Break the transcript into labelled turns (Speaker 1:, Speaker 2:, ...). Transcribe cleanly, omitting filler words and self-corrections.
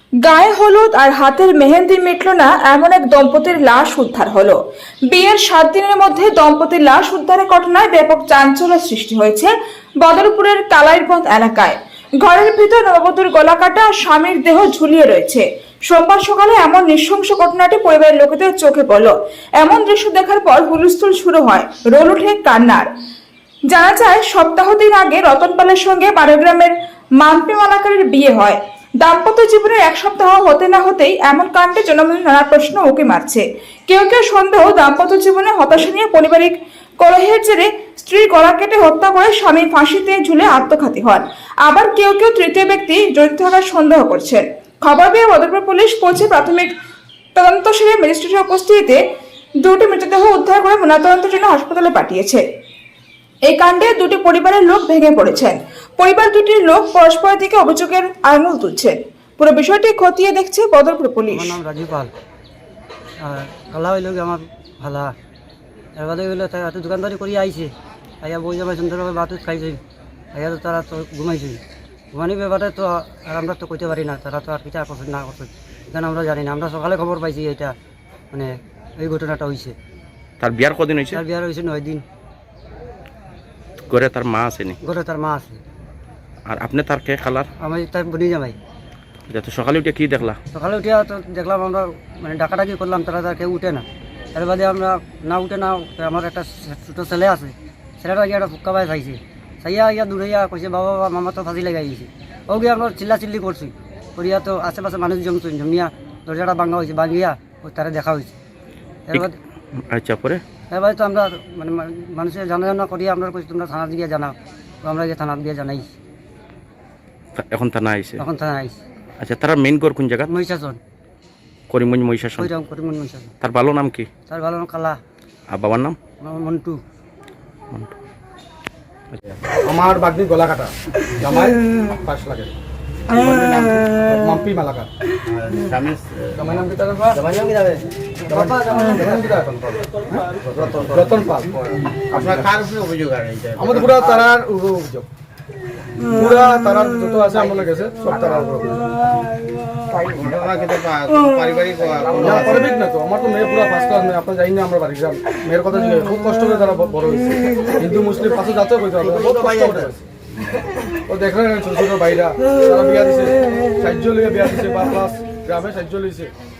Speaker 1: গায়ে হলুদ আর হাতের মেহেন্দি মিটল না এমন এক দম্পতির লাশ উদ্ধার হলো। বিয়ের 7 দিনের মধ্যে দম্পতির লাশ উদ্ধারের ঘটনায় ব্যাপক চাঞ্চল্য সৃষ্টি হয়েছে বদরপুরের কালাইরবন্দ এলাকায়। ঘরের ভিতর নববধূর গলা কাটা আর স্বামীর দেহ ঝুলিয়ে রয়েছে। সোমবার সকালে এমন নৃশংস ঘটনাটি পরিবারের লোকেদের চোখে পড়ল। এমন দৃশ্য দেখার পর হুলস্থুল শুরু হয়, রোল ওঠে কান্নার। জানা যায়, সপ্তাহ দিন আগে রতনপালের সঙ্গে বারোগ্রামের মাম্পি মালাকারের বিয়ে হয়। দাম্পত্য জীবনের 1 সপ্তাহ হতে না হতেই এমন কাণ্ডে জনমনে নানা প্রশ্ন উঁকি মারছে। কেউ কেউ সন্দেহ দাম্পত্য জীবনে হতাশা নিয়ে পারিবারিক কলহের জেরে স্ত্রীর গলা কেটে হত্যা করে স্বামী ফাঁসিতে ঝুলে আত্মঘাতী হন। আবার কেউ কেউ তৃতীয় ব্যক্তি জড়িত থাকার সন্দেহ করছেন। খবর পেয়ে বদরপুর পুলিশ পৌঁছে প্রাথমিক তদন্ত সেরে ম্যাজিস্ট্রেটের উপস্থিতিতে 2টি মৃতদেহ উদ্ধার করে ময়নাতদন্তের জন্য হাসপাতালে পাঠিয়েছে। এই কাণ্ডে 2টি পরিবারের লোক ভেঙে পড়েছেন। পরিবার দুটির লোক পরস্পরের দিকে অভিযোগের আঙুল তুলছেন। পুরো বিষয়টি খতিয়ে দেখছে বদরপুর পুলিশ।
Speaker 2: আমার নাম রাজু পাল। আর কালা হইল আমার ভালা এর বাদে হইলো তারা তো দোকানদারি করে আইছে, আইয়া বই জামাই সুন্দরভাবে ভাত খাইছে, আইয়া তো তারা তো ঘুমাইছে। ঘুমানি ব্যাপারে তো আর আমরা তো কইতে পারি না, তারা তো আর কিছু করছে না করছে এখানে আমরা জানি না। আমরা সকালে খবর পাইছি এটা মানে এই ঘটনাটা হয়েছে।
Speaker 3: তার বিয়ার কদিন হয়েছে?
Speaker 2: তার বিয়ার হয়েছে 9 দিন।
Speaker 3: ঘরে তার মা আসেনি?
Speaker 2: ঘরে তার মা আছে।
Speaker 3: আর আপনি তার কে খালার?
Speaker 2: আমি তার বনি জামাই।
Speaker 3: তো সকালে উঠে কি দেখলা?
Speaker 2: সকালে উঠিয়া তো দেখলাম আমরা মানে ডাকাডাকি করলাম, তারা তার কেউ উঠে না। এর বাদে আমরা না উঠে না, আমার একটা ছোটো ছেলে আছে, ছেলেটা গিয়ে একটা ফুক্কা ভাই খাইছে, চাইয়া ইয়া দূরাইয়া কইছে বাবা বাবা মামা তো ফাঁসি লেগে গেছে। ও গিয়ে আমরা চিল্লি করছি, করিয়া তো আশেপাশে মানুষ জমিয়া দরজাটা ভাঙা হয়েছে, ভাঙিয়া ওই তারা দেখা হয়েছে। এর বাদে
Speaker 3: আচ্ছা, পরে
Speaker 2: এবার তো আমরা মানে মানুষের জানা করিয়া আমরা কইছি তোমরা থানা গিয়ে জানাও, তো আমরা গিয়ে থানা গিয়ে জানাই।
Speaker 3: এখন থানা আইছে?
Speaker 2: এখন থানা আইছি।
Speaker 3: আচ্ছা, তারা মেইন ঘর কোন জায়গা?
Speaker 2: মহিষাসন।
Speaker 3: করিমগঞ্জ মহিষাসন।
Speaker 2: করিমগঞ্জ মহিষাসন।
Speaker 3: তার ভালো নাম কি?
Speaker 2: তার ভালো নাম কালা।
Speaker 3: আর বাবার নাম?
Speaker 2: মন্টু।
Speaker 4: আমার বাগদি গলা কাটা, জামাই 5 লাখ মাম্পি মালাকার। জামাই নাম কি তার? জামাই নাম কি যাবে? বাবা জামাই নাম কি এখন? রতন পাল।
Speaker 5: আপনার কার উপরে অভিযোগ আর এইটা?
Speaker 4: আমাদের পুরা তারার অভিযোগ, পুরা তারার যত আছে আমাদের কাছে সব তারার উপর অভিযোগ।
Speaker 5: ঘটনা কিন্তু পারিবারিক
Speaker 4: পারিবারিক না তো, আমার তো মেয়ে পুরা 1st ক্লাস মেয়ে। আপনার জানি না আমরা বাড়ি যাম, মেয়ের কথা জিজ্ঞেস খুব কষ্ট করে তারা বড় হয়েছে। হিন্দু মুসলিম পাশে যাতে কইতে হবে, বহুত কষ্ট করে। ও দেখলেন ছোট ছোট ভাইরা তারা বিয়া দিছে, সাহায্য লিয়ে বিয়া দিছে, বা প্লাস গ্রামে সাহায্য লইছে।